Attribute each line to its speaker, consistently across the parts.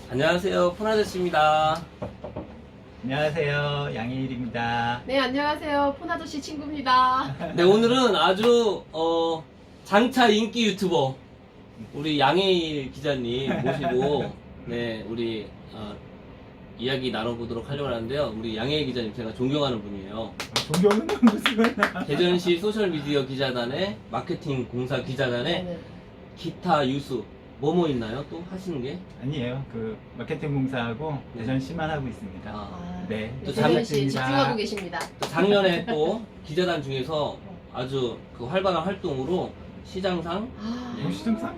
Speaker 1: 안녕하세요, 폰아저씨입니다.
Speaker 2: 안녕하세요, 양희일입니다.
Speaker 3: 네, 안녕하세요. 폰아저씨 친구입니다.
Speaker 1: 네, 오늘은 아주 장차 인기 유튜버 우리 양혜일 기자님 모시고 네, 우리 이야기 나눠보도록 하려고 하는데요. 우리 양혜일 기자님 제가 존경하는 분이에요.
Speaker 2: 존경은 무슨
Speaker 1: 대전시 소셜미디어 기자단의 마케팅 공사 기자단의
Speaker 3: 네.
Speaker 1: 기타 유수 뭐뭐 있나요? 또 하시는 게?
Speaker 2: 아니에요. 그 마케팅 공사하고
Speaker 1: 네.
Speaker 2: 대전시만 하고 있습니다.
Speaker 1: 아,
Speaker 2: 네.
Speaker 1: 또
Speaker 3: 대전 씨
Speaker 2: 반갑습니다.
Speaker 3: 집중하고 계십니다.
Speaker 1: 또 작년에 또 기자단 중에서 아주 그 활발한 활동으로 시장상
Speaker 2: 뭐 시장상?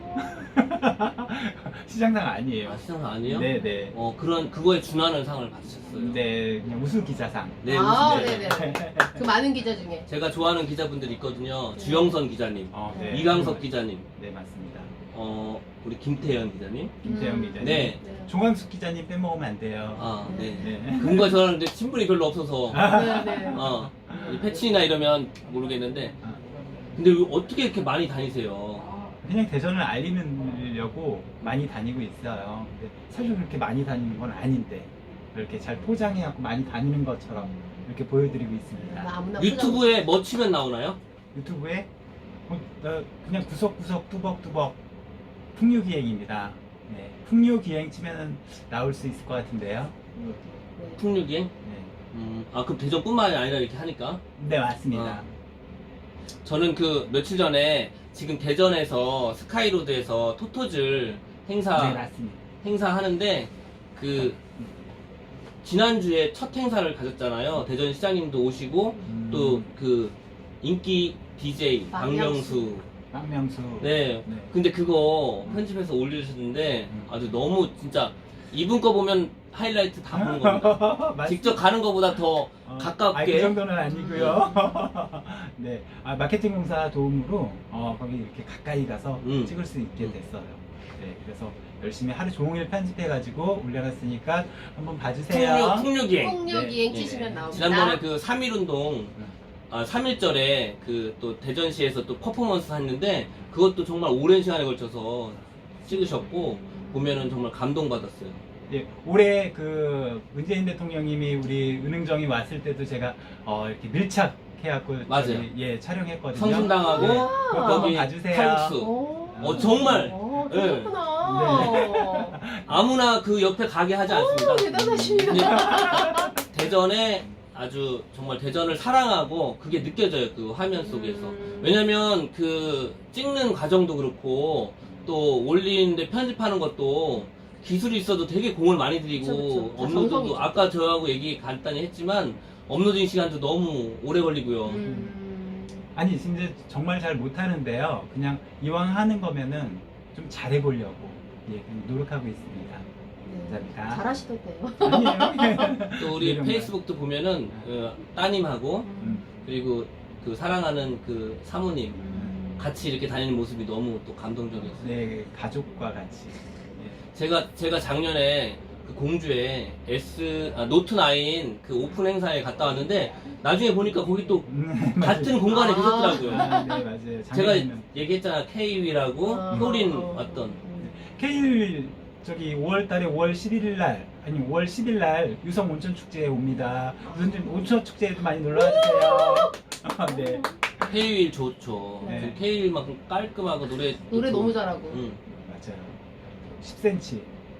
Speaker 2: 시장상 아니에요.
Speaker 1: 시장상 아니에요?
Speaker 2: 네네.
Speaker 1: 그거에 준하는 상을 받으셨어요.
Speaker 2: 네, 그냥 우수 기자상.
Speaker 1: 네,
Speaker 3: 아,
Speaker 1: 무슨-
Speaker 3: 네네. 그 많은 기자 중에.
Speaker 1: 제가 좋아하는 기자분들이 있거든요. 주영선 기자님,
Speaker 2: 네.
Speaker 1: 이강석 기자님,
Speaker 2: 네, 맞습니다.
Speaker 1: 우리 김태현 기자님.
Speaker 2: 김태형 기자님.
Speaker 1: 네.
Speaker 2: 종광숙 기자님 빼먹으면 안 돼요.
Speaker 1: 아, 네.
Speaker 2: 네.
Speaker 1: 그분과 저는 근데 친분이 별로 없어서
Speaker 3: 네네.
Speaker 1: 이 패친이나 이러면 모르겠는데 근데 왜 어떻게 이렇게 많이 다니세요?
Speaker 2: 그냥 대전을 알리려고 많이 다니고 있어요. 근데 사실 그렇게 많이 다니는 건 아닌데 이렇게 잘 포장해갖고 많이 다니는 것처럼 이렇게 보여드리고 있습니다.
Speaker 3: 아무나
Speaker 1: 유튜브에 뭐 치면 나오나요?
Speaker 2: 유튜브에 그냥 구석구석 뚜벅뚜벅 풍류기행입니다. 네, 풍류기행 치면 나올 수 있을 것 같은데요.
Speaker 3: 네.
Speaker 1: 풍류기행?
Speaker 2: 네,
Speaker 1: 그럼 대전뿐만이 아니라 이렇게 하니까
Speaker 2: 네 맞습니다.
Speaker 1: 저는 그 며칠 전에 지금 대전에서 스카이로드에서 토토즐
Speaker 2: 네
Speaker 1: 행사
Speaker 2: 맞습니다.
Speaker 1: 행사하는데 그 지난주에 첫 행사를 가졌잖아요. 대전 시장님도 오시고 또 그 인기 DJ 박명수.
Speaker 2: 박명수.
Speaker 1: 네.
Speaker 2: 네.
Speaker 1: 근데 그거 편집해서 올리셨는데 아주 너무 진짜 이분 거 보면 하이라이트 다 보는 겁니다.
Speaker 2: 맞-
Speaker 1: 직접 가는 것보다 더 가깝게.
Speaker 2: 그 정도는 아니고요. 네, 마케팅 공사 도움으로 거기 이렇게 가까이 가서 찍을 수 있게 됐어요. 네, 그래서 열심히 하루 종일 편집해가지고 올려놨으니까 한번 봐주세요.
Speaker 1: 풍류기행.
Speaker 3: 폭력이행
Speaker 1: 네.
Speaker 3: 치시면 나옵니다.
Speaker 1: 지난번에 그 3.1운동 3.1절에 그 또 대전시에서 또 퍼포먼스 했는데 그것도 정말 오랜 시간에 걸쳐서 찍으셨고 보면은 정말 감동받았어요.
Speaker 2: 네, 올해 그 문재인 대통령님이 우리 은흥정이 왔을 때도 제가 이렇게 밀착해갖고
Speaker 1: 맞아요.
Speaker 2: 저기, 촬영했거든요.
Speaker 1: 성심당하고
Speaker 2: 네, 그것도 한번
Speaker 1: 거기
Speaker 2: 봐주세요.
Speaker 1: 칼국수.
Speaker 3: 오,
Speaker 1: 정말.
Speaker 3: 그렇구나.
Speaker 1: 아무나 그 옆에 가게 하지 않습니다.
Speaker 3: 대단하십니다.
Speaker 1: 대전에 아주 정말 대전을 사랑하고 그게 느껴져요. 그 화면 속에서. 왜냐면 그 찍는 과정도 그렇고 또 올리는데 편집하는 것도 기술이 있어도 되게 공을 많이 들이고
Speaker 3: 그쵸.
Speaker 1: 업로드도
Speaker 3: 정성이죠.
Speaker 1: 아까 저하고 얘기 간단히 했지만 업로딩 시간도 너무 오래 걸리고요.
Speaker 2: 아니 진짜 정말 잘 못하는데요. 그냥 이왕 하는 거면은 좀 잘해보려고 그냥 노력하고 있습니다. 감사합니다.
Speaker 3: 잘하시던데요.
Speaker 2: 아니에요.
Speaker 1: 또 우리
Speaker 2: 이런
Speaker 1: 페이스북도 보면은 따님하고
Speaker 2: 음.
Speaker 1: 그리고 그 사랑하는 그 사모님 같이 이렇게 다니는 모습이 너무 또 감동적이었어요.
Speaker 2: 네, 가족과 같이.
Speaker 1: 제가 작년에 그 공주에 노트9 그 오픈 행사에 갔다 왔는데 나중에 보니까 거기 또 같은 공간에 계셨더라고요.
Speaker 2: 네, 맞아요.
Speaker 1: 제가
Speaker 2: 작년에는
Speaker 1: 얘기했잖아. K위라고 효린 왔던.
Speaker 2: K일 저기 5월달에 5월 11일 날 아니 5월 10일 날 유성 온천 축제에 옵니다. 온천 축제에도 많이 놀러 와주세요. 네.
Speaker 1: K위 좋죠.
Speaker 2: 네.
Speaker 1: K위만큼 깔끔하고 노래
Speaker 3: 너무 잘하고.
Speaker 2: 맞아요. 10cm.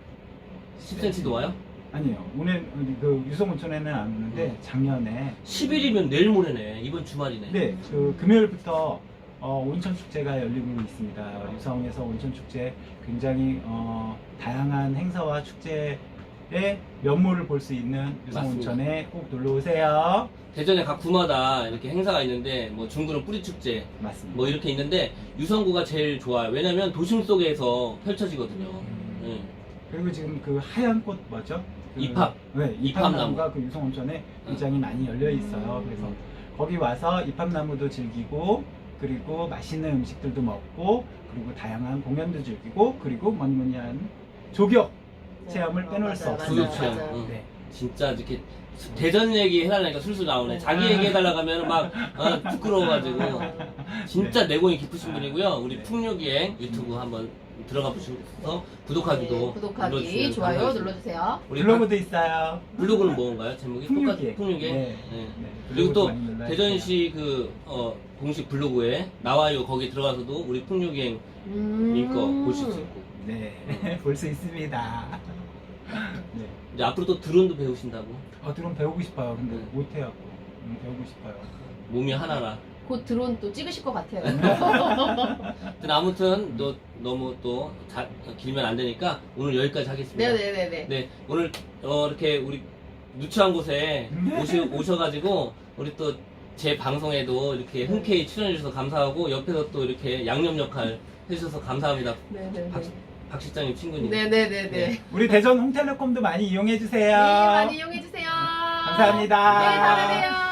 Speaker 1: 10cm도 와요?
Speaker 2: 아니요. 오늘 그 유성 온천에는 안 오는데 작년에
Speaker 1: 10일이면 내일 모레네. 이번 주말이네.
Speaker 2: 네, 그 금요일부터 온천 축제가 열리고 있습니다. 유성에서 온천 축제 굉장히 다양한 행사와 축제의 면모를 볼 수 있는 유성
Speaker 1: 맞습니다.
Speaker 2: 온천에 꼭 놀러 오세요.
Speaker 1: 대전에 각 구마다 이렇게 행사가 있는데 뭐 중구는 뿌리축제
Speaker 2: 맞습니다.
Speaker 1: 뭐 이렇게 있는데 유성구가 제일 좋아요. 왜냐면 도심 속에서 펼쳐지거든요. 네.
Speaker 2: 그리고 지금 그 하얀 꽃 뭐죠? 그,
Speaker 1: 입합.
Speaker 2: 네,
Speaker 1: 입합나무.
Speaker 2: 입합나무가 그 유성 온천에 굉장히 많이 열려 있어요. 그래서 거기 와서 입합나무도 즐기고 그리고 맛있는 음식들도 먹고 그리고 다양한 공연도 즐기고 그리고 뭐니 한 조격 체험을 빼놓을 수
Speaker 3: 맞아요,
Speaker 2: 없습니다.
Speaker 1: 조격 체험.
Speaker 3: 맞아요.
Speaker 2: 네.
Speaker 1: 진짜 이렇게 대전 얘기 해달라니까 술술 나오네. 자기 얘기 해달라고 하면 막 부끄러워가지고 진짜 내공이 깊으신 분이고요. 우리
Speaker 2: 네.
Speaker 1: 풍류기행 유튜브 한번 들어가 보셔서 구독하기도
Speaker 3: 네, 구독하기,
Speaker 1: 눌러주시면
Speaker 3: 좋아요
Speaker 1: 감사하겠습니다.
Speaker 3: 눌러주세요.
Speaker 1: 우리
Speaker 2: 블로그도 있어요.
Speaker 1: 블로그는 뭔가요? 제목이
Speaker 2: 풍류계.
Speaker 1: 풍류계.
Speaker 2: 네.
Speaker 1: 네.
Speaker 2: 네,
Speaker 1: 그리고 또
Speaker 2: 블로그도 많이 눌러주세요.
Speaker 1: 대전시 공식 블로그에 나와요. 거기 들어가서도 우리 풍류기행 거 보실 수 있고.
Speaker 2: 네, 볼 수 있습니다. 네.
Speaker 1: 이제 앞으로 또 드론도 배우신다고.
Speaker 2: 드론 배우고 싶어요. 근데
Speaker 1: 네.
Speaker 2: 못해요. 배우고 싶어요.
Speaker 1: 몸이 하나라.
Speaker 3: 곧 드론 또 찍으실 것 같아요.
Speaker 1: 하여튼 아무튼 또 너무 또 길면 안 되니까 오늘 여기까지 하겠습니다.
Speaker 3: 네네네네.
Speaker 1: 네, 오늘 이렇게 우리 누추한 곳에 오셔가지고 우리 또 제 방송에도 이렇게 흔쾌히 출연해주셔서 감사하고 옆에서 또 이렇게 양념 역할 해주셔서 감사합니다.
Speaker 3: 네네네.
Speaker 1: 박 실장님 친구님.
Speaker 3: 네네네네.
Speaker 1: 네.
Speaker 2: 우리 대전 홍텔레콤도 많이 이용해 주세요.
Speaker 3: 네, 많이 이용해주세요.
Speaker 2: 감사합니다.
Speaker 3: 네, 다음에 봬요.